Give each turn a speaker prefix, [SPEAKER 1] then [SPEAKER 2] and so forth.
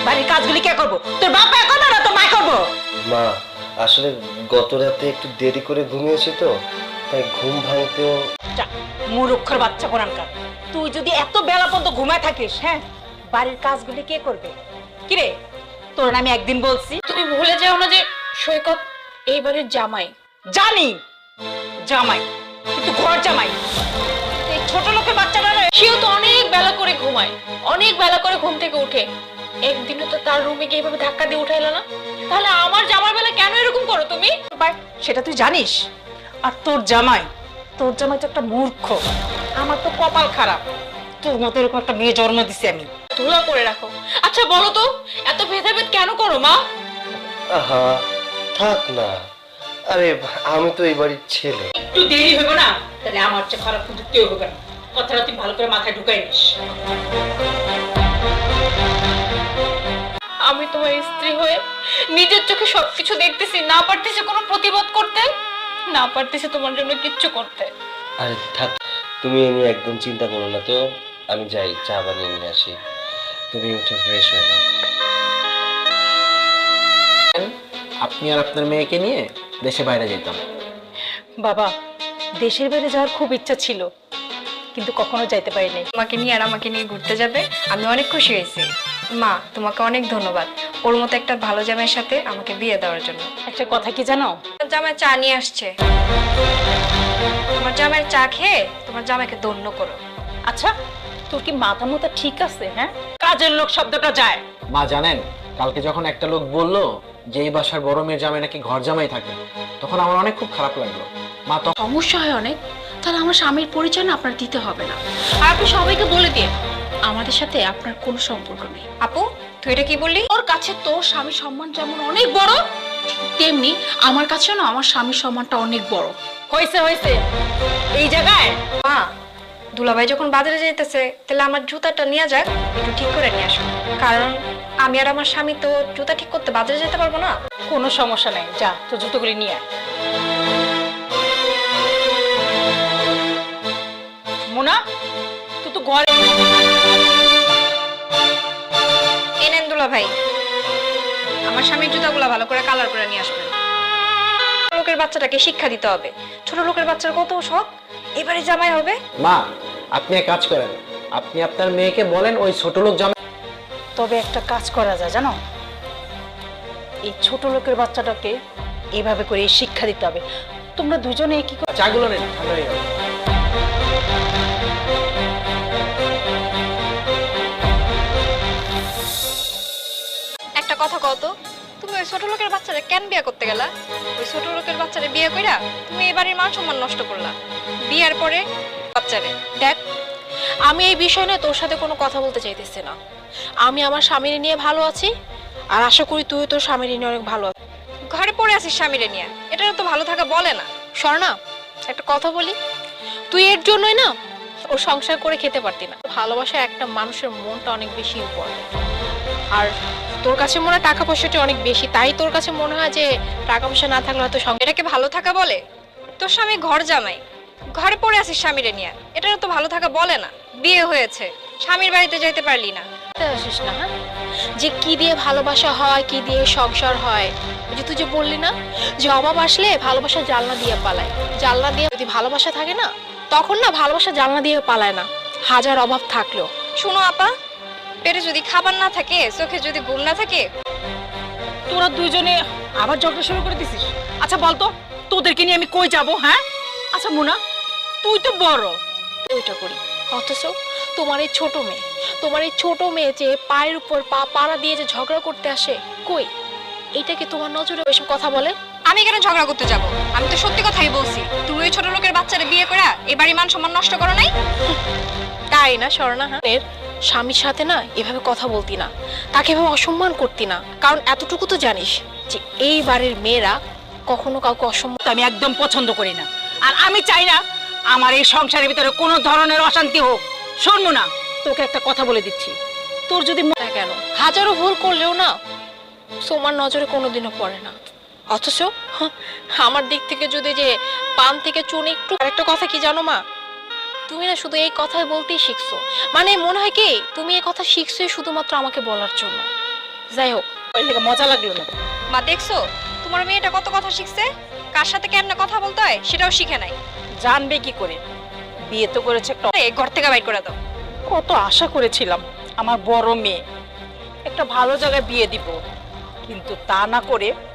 [SPEAKER 1] বাড়ির কাজগুলি কে করবো? তোর বাবা করবো না তোর মা করবো?
[SPEAKER 2] মা আসলে গত রাতে একটু দেরি করে ঘুমিয়েছি তো, তাই ঘুম ভাঙতেও।
[SPEAKER 1] মূর্খের বাচ্চা কোরআনকার, তুই যদি এত বেলা পর্যন্ত ঘুমায় থাকিস, হ্যাঁ বাড়ির কাজগুলি কে করবে? কিরে তোর আমি একদিন বলছি।
[SPEAKER 3] তুমি ভুলে যাও না যে সৈকত এই বাড়ির জামাই।
[SPEAKER 1] জানি জামাই, কিন্তু ঘর জামাই। এই ছোট লোকের বাচ্চারা
[SPEAKER 3] সেও তো অনেক বেলা করে ঘুমায়, অনেক বেলা করে ঘুম থেকে উঠে। একদিনও তো তার রুমে গিয়ে এভাবে ধাক্কা দিয়ে উঠাইলো না। তাহলে আমার জামার বেলা কেন এরকম করো তুমি?
[SPEAKER 1] সেটা তুই জানিস? আর তোর জামাই তো একটা মূর্খ। আমার তো কপাল খারাপ, তোর মতো এরকম একটা মেয়ে জন্ম দিছি আমি।
[SPEAKER 3] ধুলা করে রাখো। আচ্ছা বলো তো, এত ভেদাভেদ কেন করো মা?
[SPEAKER 2] আহা থাক না, আরে আমি তো এই বাড়ির ছেলে।
[SPEAKER 1] একটু দেরি হইব না, তাহলে আমার চেয়ে খারাপ কিন্তু কেউ হবে না। কথাটা তুই ভালো করে মাথায় ঢুকাই নিস।
[SPEAKER 3] আমি তোমার স্ত্রী হয়ে নিজের চোখে সবকিছু দেখতেছি, না পারতেছি কোনো প্রতিবাদ করতে, না পারতেছি তোমার জন্য কিচ্ছু করতে।
[SPEAKER 2] আরে থাক, তুমি এ নিয়ে একদম চিন্তা করো না তো। আমি যাই চা বানিয়ে নিয়ে আসি, তুমি উঠে ফ্রেশ হয়ে নাও।
[SPEAKER 4] আপনি আর আপনার মেয়েকে নিয়ে দেশে বাইরে যেতাম।
[SPEAKER 1] বাবা, দেশের বাইরে যাওয়ার খুব ইচ্ছা ছিল, কিন্তু কখনো যাইতে পারিনি।
[SPEAKER 5] তোমাকে নিয়ে আর আমাকে নিয়ে ঘুরতে যাবে, আমি অনেক খুশি হয়েছি। মা তোমাকে অনেক ধন্যবাদ ওর মতো একটা ভালো জামাইয়ের সাথে আমাকে বিয়ে দেওয়ার জন্য।
[SPEAKER 1] একটা কথা কি জানো?
[SPEAKER 5] জামাই চা নিয়ে আসছে, তোমার জামাইয়ের চা খেয়ে তোমার জামাইকে ধন্য করো।
[SPEAKER 1] আচ্ছা তোর কি মাথা মতো ঠিক আছে? হ্যাঁ, কাজের লোক শব্দটা যায়।
[SPEAKER 4] মা জানেন, কালকে যখন একটা লোক বলল যে এই বাসার বড় মেয়ের জামাই নাকি ঘর জামাই থাকে, তখন আমার অনেক খুব খারাপ লাগলো। মা তো
[SPEAKER 3] সমস্যা হয় অনেক, তাহলে আমার স্বামীর পরিচয় না আপনার দিতে হবে না। আর আপনি সবাইকে বলে দিন আমাদের সাথে আপনার কোনো সম্পর্ক নেই।
[SPEAKER 5] আপু তুই এটা কি বললি?
[SPEAKER 3] ওর কাছে তোর স্বামীর সম্মান যেমন অনেক বড়, তেমনি আমার কাছেও না আমার স্বামীর সম্মানটা অনেক বড়।
[SPEAKER 1] হয়েছে হয়েছে, এই জায়গায়
[SPEAKER 5] মা দুলাভাই যখন বাজারে যাইতেছে, তাহলে আমার জুতাটা নিয়ে যাক, একটু ঠিক করে নিয়ে আসো। কারণ আমি আর আমার স্বামী তো জুতা ঠিক করতে বাজারে যেতে পারবো না।
[SPEAKER 1] কোনো সমস্যা নাই, যা তো জুতোগুলি নিয়ে আয়। মোনা তুই তো ঘরে।
[SPEAKER 5] এনেন দুলাভাই, আমার স্বামীর জুতাগুলা ভালো করে কালার করে নিয়ে আসবেন। লোকের বাচ্চাটাকে শিক্ষা দিতে হবে, ছোট লোকের বাচ্চার কত শখ, এবারে জামাই হবে।
[SPEAKER 4] মা আপনি এক কাজ করেন, আপনি আপনার মেয়েকে বলেন ওই ছোট লোক জামাই।
[SPEAKER 1] তবে একটা কাজ করা যায় জানো, এই ছোট লোকের বাচ্চাটাকে এইভাবে করে শিক্ষা দিতে হবে। তোমরা দুজনে কি করো?
[SPEAKER 4] চাগুলো নেন, ঠান্ডা হয়ে যাবে।
[SPEAKER 5] একটা কথা কত, তুমি ওই ছোট লোকের বাচ্চারে কেন বিয়ে করতে গেলা? ওই ছোট লোকের বাচ্চারে বিয়ে কইরা তুমি এই বাড়ির মান সম্মান নষ্ট করলা। বিয়ের পরে বাচ্চারে
[SPEAKER 3] দেখ, আমি এই বিষয় নিয়ে তোর সাথে কোনো কথা বলতে চাইতেছি না। আমি আমার স্বামীর নিয়ে ভালো আছি, আর আশা করি তুই তোর স্বামীর নিয়ে অনেক ভালো আছিস।
[SPEAKER 5] ঘরে পড়ে আছিস স্বামীরে নিয়ে, এটা তো ভালো থাকা বলে না।
[SPEAKER 3] স্বর্ণা, একটা কথা বলি, তুই এর জন্যই না ওর সংসার করে খেতে পারতি না। ভালোবাসা একটা মানুষের মনটা অনেক বেশি ইম্পর্টেন্ট, আর তোর কাছে মনে হয় টাকা পয়সাটা অনেক বেশি, তাই তোর কাছে মনে হয় যে টাকা পয়সা না থাকলে হয়তো
[SPEAKER 5] এটাকে ভালো থাকা বলে? তোর স্বামী ঘর জামাই, ঘরে পড়ে আছিস স্বামীরে নিয়ে, এটা তো ভালো থাকা বলে না। বিয়ে হয়েছে, স্বামীর বাড়িতে যাইতে পারলি না,
[SPEAKER 3] আসিস না। হ্যাঁ, যে কি দিয়ে ভালোবাসা হয়, কি দিয়ে সংসার হয়, ওই যে তুই যে বললি না যে অভাব আসলে ভালোবাসা জানলা দিয়ে পালায়। জানলা দিয়ে যদি ভালোবাসা থাকে না, তখন না ভালোবাসা জানলা দিয়ে পালায় না, হাজার অভাব থাকলেও।
[SPEAKER 5] শুনো আপা, পেটে যদি খাবার না থাকে, চোখে যদি ঘুম না থাকে,
[SPEAKER 1] তোরা দুইজনে আবার ঝগড়া শুরু করে দিছিস। আচ্ছা বলতো তোদেরকে নিয়ে আমি কই যাব? হ্যাঁ আচ্ছা মোনা, তুই তো বড়,
[SPEAKER 3] ওইটা করি, অথচ তোমার এই ছোট মেয়ে যে পায়ের উপর পা পাড়া দিয়ে যে ঝগড়া করতে আসে, কই এটা কি তোমার নজরে ওইসব কথা বলে?
[SPEAKER 5] আমি কেন ঝগড়া করতে যাব? আমি তো সত্যি কথাই বলছি। তুমি ওই ছোট লোকের বাচ্চারে বিয়ে করা এই বাড়ির মান সম্মান নষ্ট করো নাই?
[SPEAKER 3] তাই না স্বর্ণা? হ্যাঁ, স্বামীর সাথে না এভাবে কথা বলতি না, তাকে এভাবে অসম্মান করতি না, কারণ এতটুকু তো জানিস যে এই বাড়ির মেয়েরা কখনো কাউকে অসম্মান।
[SPEAKER 1] আমি একদম পছন্দ করি না, আর আমি চাই না আমার এই সংসারের ভিতরে কোনো ধরনের অশান্তি হোক। শোন না, তোকে একটা কথা বলে দিচ্ছি, তোর যদি
[SPEAKER 3] না কেন, হাজারো ভুল করলেও না তোমার নজরে কোনোদিনও পড়ে না। অথচ আমার দিক থেকে যদি যে পান থেকে চুন একটু। আরেকটা কথা কি জানো মা, তুমি না শুধু এই কথাই বলতেই শিখছো, মানে মনে হয় কি তুমি এই কথা শিখছোই শুধুমাত্র আমাকে বলার জন্য। যাই হোক,
[SPEAKER 1] ওই থেকে মজা লাগলো না।
[SPEAKER 5] মা দেখছো তোমার মেয়েটা কত কথা শিখছে, কার সাথে কেমনে কথা বলতে হয় সেটাও শিখে নাই।
[SPEAKER 1] জানবে কি করে? বিয়ে তো করেছে একটা,
[SPEAKER 5] এই ঘর থেকে বাইর করে দাও।
[SPEAKER 1] কত আশা করেছিলাম আমার বড় মেয়ে একটা ভালো জায়গায় বিয়ে দিব, কিন্তু তা না করে